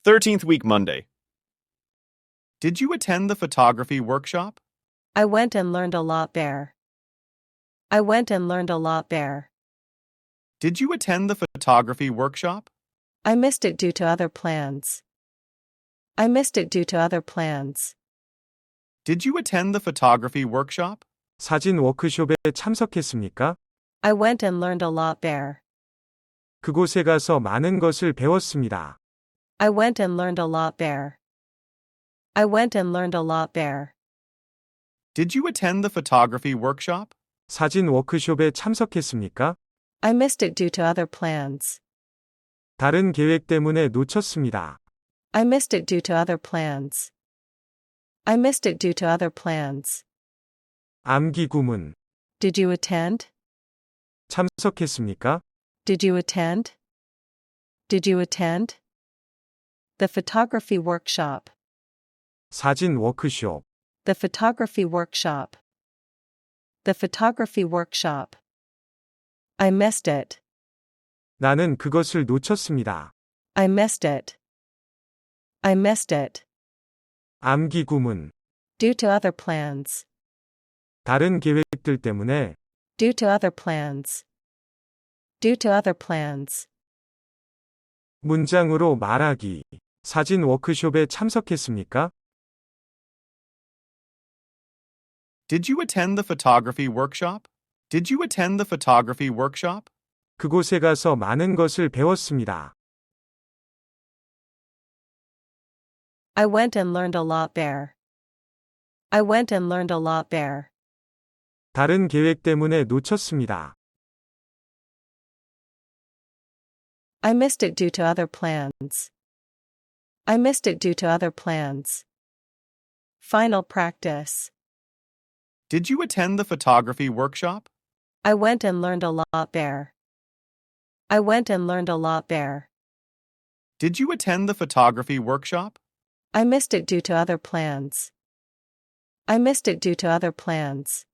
13th week Monday. Did you attend the photography workshop? I went and learned a lot there. I went and learned a lot there. Did you attend the photography workshop? I missed it due to other plans. I missed it due to other plans. Did you attend the photography workshop? 사진 워크숍에 참석했습니까? I went and learned a lot there. 그곳에 가서 많은 것을 배웠습니다. I went and learned a lot there. I went and learned a lot there. Did you attend the photography workshop? 사진 워크숍에 참석했습니까? I missed it due to other plans. 다른 계획 때문에 놓쳤습니다. I missed it due to other plans. I missed it due to other plans. 암기 구문. Did you attend? 참석했습니까? Did you attend? Did you attend? The photography workshop. 사진 워크숍. The photography workshop. The photography workshop. I missed it. 나는 그것을 놓쳤습니다. I missed it. I missed it. 암기 구문. Due to other plans. 다른 계획들 때문에 Due to other plans. Due to other plans. 문장으로 말하기. 사진 워크숍에 참석했습니까? Did you attend the photography workshop? Did you attend the photography workshop? 그곳에 가서 많은 것을 배웠습니다. I went and learned a lot there. I went and learned a lot there. 다른 계획 때문에 놓쳤습니다. I missed it due to other plans. I missed it due to other plans. Final practice. Did you attend the photography workshop? I went and learned a lot there. I went and learned a lot there. Did you attend the photography workshop? I missed it due to other plans. I missed it due to other plans.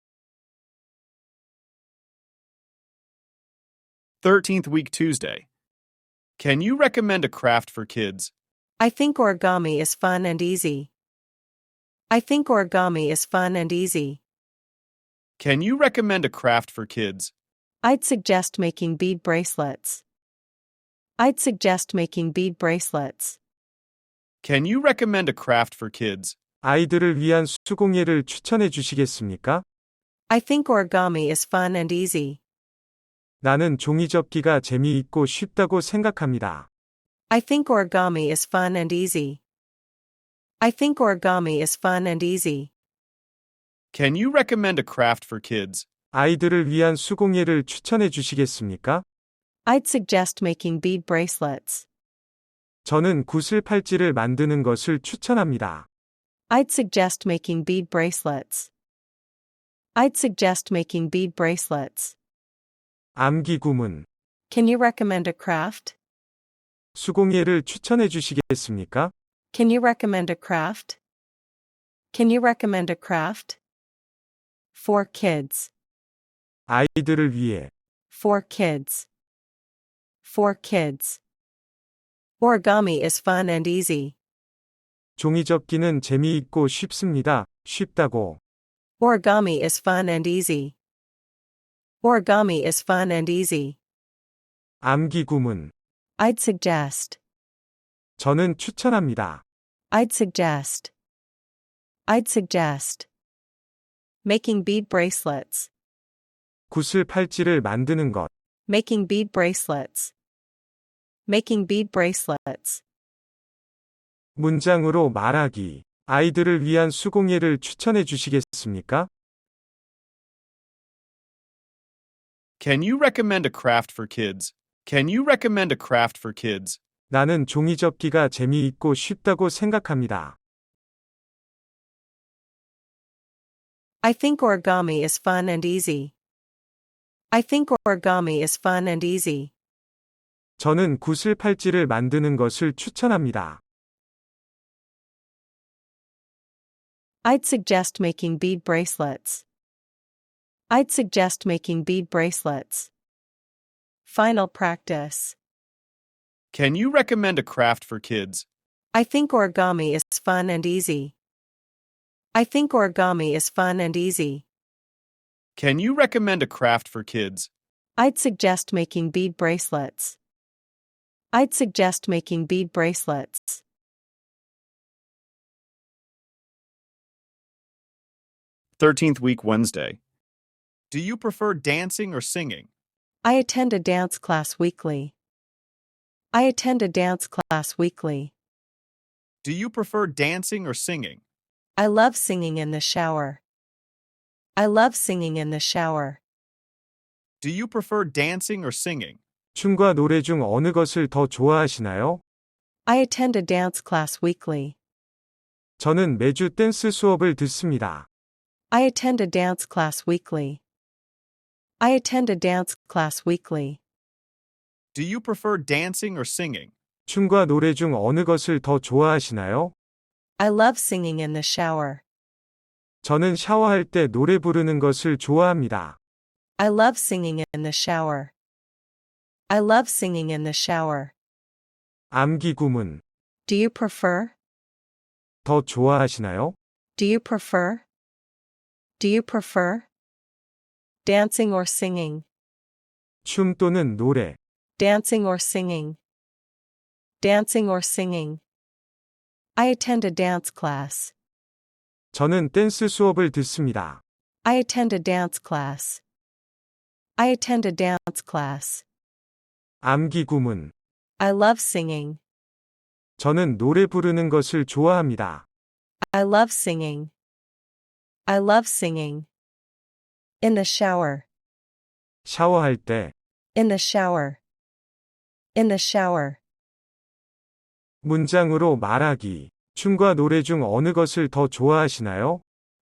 13th week Tuesday. Can you recommend a craft for kids? I think origami is fun and easy. I think origami is fun and easy. Can you recommend a craft for kids? I'd suggest making bead bracelets. I'd suggest making bead bracelets. Can you recommend a craft for kids? 아이들을 위한 수공예를 추천해 주시겠습니까? I think origami is fun and easy. 나는 종이접기가 재미있고 쉽다고 생각합니다. I think origami is fun and easy. I think origami is fun and easy. Can you recommend a craft for kids? 아이들을 위한 수공예를 추천해 주시겠습니까? I'd suggest making bead bracelets. 저는 구슬 팔찌를 만드는 것을 추천합니다. I'd suggest making bead bracelets. I'd suggest making bead bracelets. 암기 구문. Can you recommend a craft? 수공예를 추천해 주시겠습니까? Can you recommend a craft? Can you recommend a craft? For kids. 아이들을 위해. For kids. For kids. Origami is fun and easy. 종이접기는 재미있고 쉽습니다. 쉽다고. Origami is fun and easy. Origami is fun and easy. 암기 구문. I'd suggest. 저는 추천합니다. I'd suggest. I'd suggest. Making bead bracelets. 구슬 팔찌를 만드는 것. Making bead bracelets. Making bead bracelets. 문장으로 말하기. 아이들을 위한 수공예를 추천해 주시겠습니까? Can you recommend a craft for kids? Can you recommend a craft for kids? 나는 종이접기가 재미있고 쉽다고 생각합니다. I think origami is fun and easy. I think origami is fun and easy. 저는 구슬 팔찌를 만드는 것을 추천합니다. I'd suggest making bead bracelets. I'd suggest making bead bracelets. Final practice. Can you recommend a craft for kids? I think origami is fun and easy. I think origami is fun and easy. Can you recommend a craft for kids? I'd suggest making bead bracelets. I'd suggest making bead bracelets. 13th week Wednesday. Do you prefer dancing or singing? I attend a dance class weekly. I attend a dance class weekly. Do you prefer dancing or singing? I love singing in the shower. I love singing in the shower. Do you prefer dancing or singing? 춤과 노래 중 어느 것을 더 좋아하시나요? I attend a dance class weekly. 저는 매주 댄스 수업을 듣습니다. I attend a dance class weekly. I attend a dance class weekly. Do you prefer dancing or singing? 춤과 노래 중 어느 것을 더 좋아하시나요? I love singing in the shower. 저는 샤워할 때 노래 부르는 것을 좋아합니다. I love singing in the shower. I love singing in the shower. 암기 구문. Do you prefer? 더 좋아하시나요? Do you prefer? Do you prefer? Dancing or singing? 춤 또는 노래. Dancing or singing? Dancing or singing? I attend a dance class. 저는 댄스 수업을 듣습니다. I attend a dance class. I attend a dance class. 암기 구문. I love singing. 저는 노래 부르는 것을 좋아합니다. I love singing. I love singing. In the shower. 샤워할 때. In the shower. In the shower. 문장으로 말하기. 춤과 노래 중 어느 것을 더 좋아하시나요?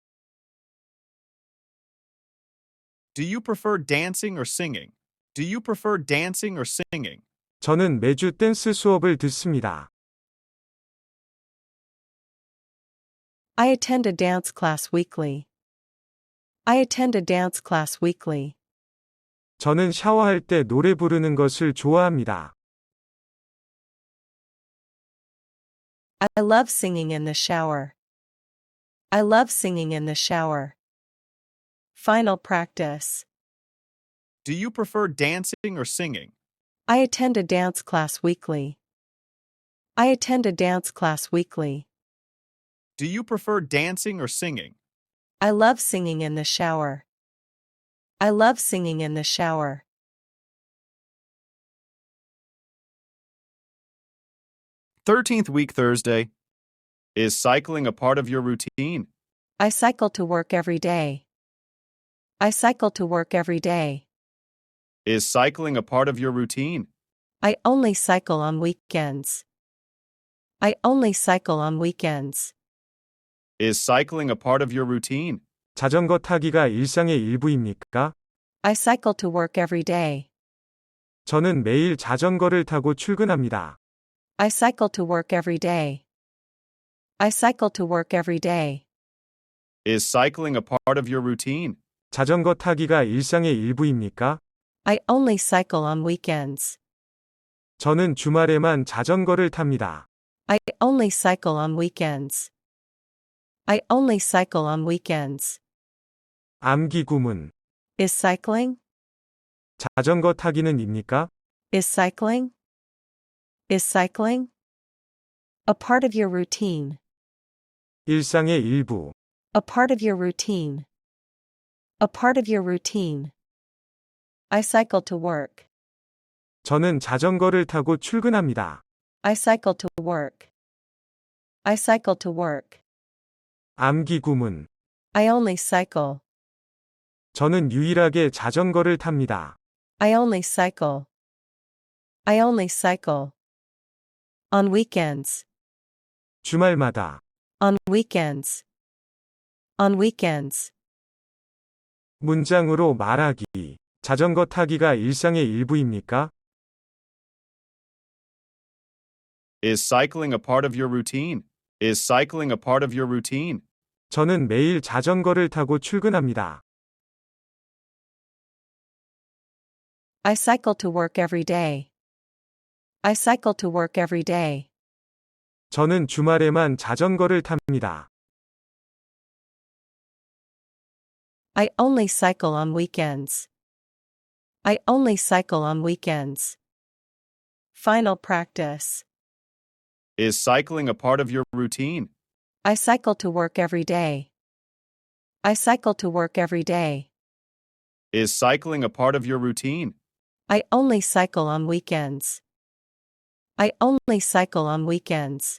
Do you prefer dancing or singing? Do you prefer dancing or singing? 저는 매주 댄스 수업을 듣습니다. I attend a dance class weekly. I attend a dance class weekly. 저는 샤워할 때 노래 부르는 것을 좋아합니다. I love singing in the shower. I love singing in the shower. Final practice. Do you prefer dancing or singing? I attend a dance class weekly. I attend a dance class weekly. Do you prefer dancing or singing? I love singing in the shower. I love singing in the shower. th week Thursday. Is cycling a part of your routine? I cycle to work every day. I cycle to work every day. Is cycling a part of your routine? I only cycle on weekends. I only cycle on weekends. Is cycling a part of your routine? 자전거 타기가 일상의 일부입니까? I cycle to work every day. 저는 매일 자전거를 타고 출근합니다. I cycle to work every day. I cycle to work every day. Is cycling a part of your routine? 자전거 타기가 일상의 일부입니까? I only cycle on weekends. 저는 주말에만 자전거를 탑니다. I only cycle on weekends. I only cycle on weekends. 암기 구문. Is cycling? 자전거 타기는 입니까? Is cycling? Is cycling? A part of your routine. 일상의 일부. A part of your routine. A part of your routine. I cycle to work. 저는 자전거를 타고 출근합니다. I cycle to work. I cycle to work. 암기 구문. I only cycle. 저는 유일하게 자전거를 탑니다. I only cycle. I only cycle. On weekends. 주말마다. On weekends. On weekends. 문장으로 말하기. 자전거 타기가 일상의 일부입니까? Is cycling a part of your routine? Is cycling a part of your routine? 저는 매일 자전거를 타고 출근합니다. I cycle to work every day. I cycle to work every day. 저는 주말에만 자전거를 탑니다. I only cycle on weekends. I only cycle on weekends. Final practice. Is cycling a part of your routine? I cycle to work every day. I cycle to work every day. Is cycling a part of your routine? I only cycle on weekends. I only cycle on weekends.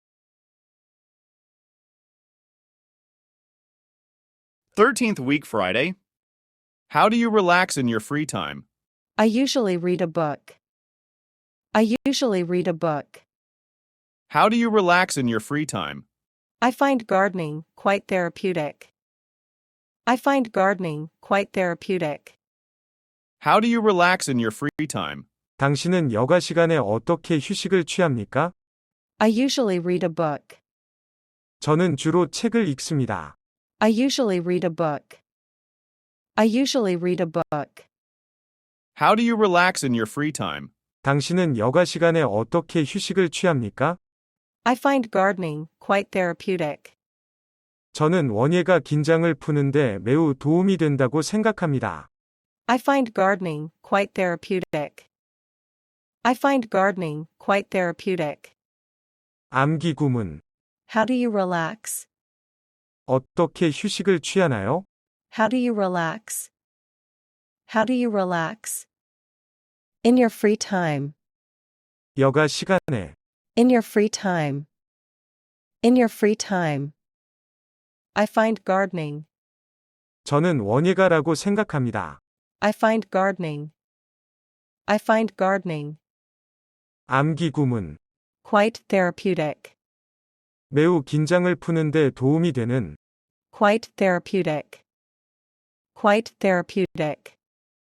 '13th week Friday. How do you relax in your free time? I usually read a book. I usually read a book. How do you relax in your free time? I find gardening quite therapeutic. I find gardening quite therapeutic. How do you relax in your free time? 당신은 여가 시간에 어떻게 휴식을 취합니까? I usually read a book. 저는 주로 책을 읽습니다. I usually read a book. I usually read a book. How do you relax in your free time? 당신은 여가 시간에 어떻게 휴식을 취합니까? I find gardening quite therapeutic. 저는 원예가 긴장을 푸는데 매우 도움이 된다고 생각합니다. I find gardening quite therapeutic. I find gardening quite therapeutic. 암기 구문. How do you relax? 어떻게 휴식을 취하나요? How do you relax? How do you relax? In your free time. 여가 시간에. In your free time. In your free time. I find gardening. 저는 원예가라고 생각합니다. I find gardening. I find gardening. 암기 구문. Quite therapeutic. 매우 긴장을 푸는데 도움이 되는. Quite therapeutic. Quite therapeutic.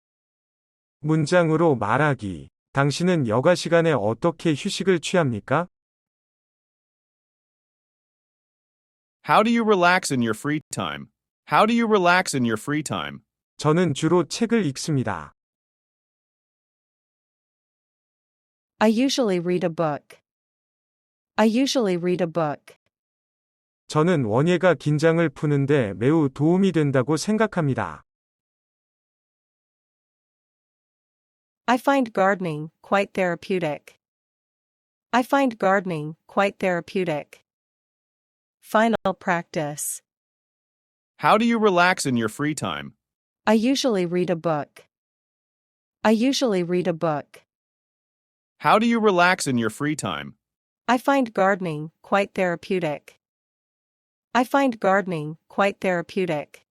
문장으로 말하기. 당신은 여가 시간에 어떻게 휴식을 취합니까? How do you relax in your free time? How do you relax in your free time? 저는 주로 책을 읽습니다. I usually read a book. I usually read a book. 저는 원예가 긴장을 푸는데 매우 도움이 된다고 생각합니다. I find gardening quite therapeutic. I find gardening quite therapeutic. Final practice. How do you relax in your free time? I usually read a book. I usually read a book. How do you relax in your free time? I find gardening quite therapeutic. I find gardening quite therapeutic.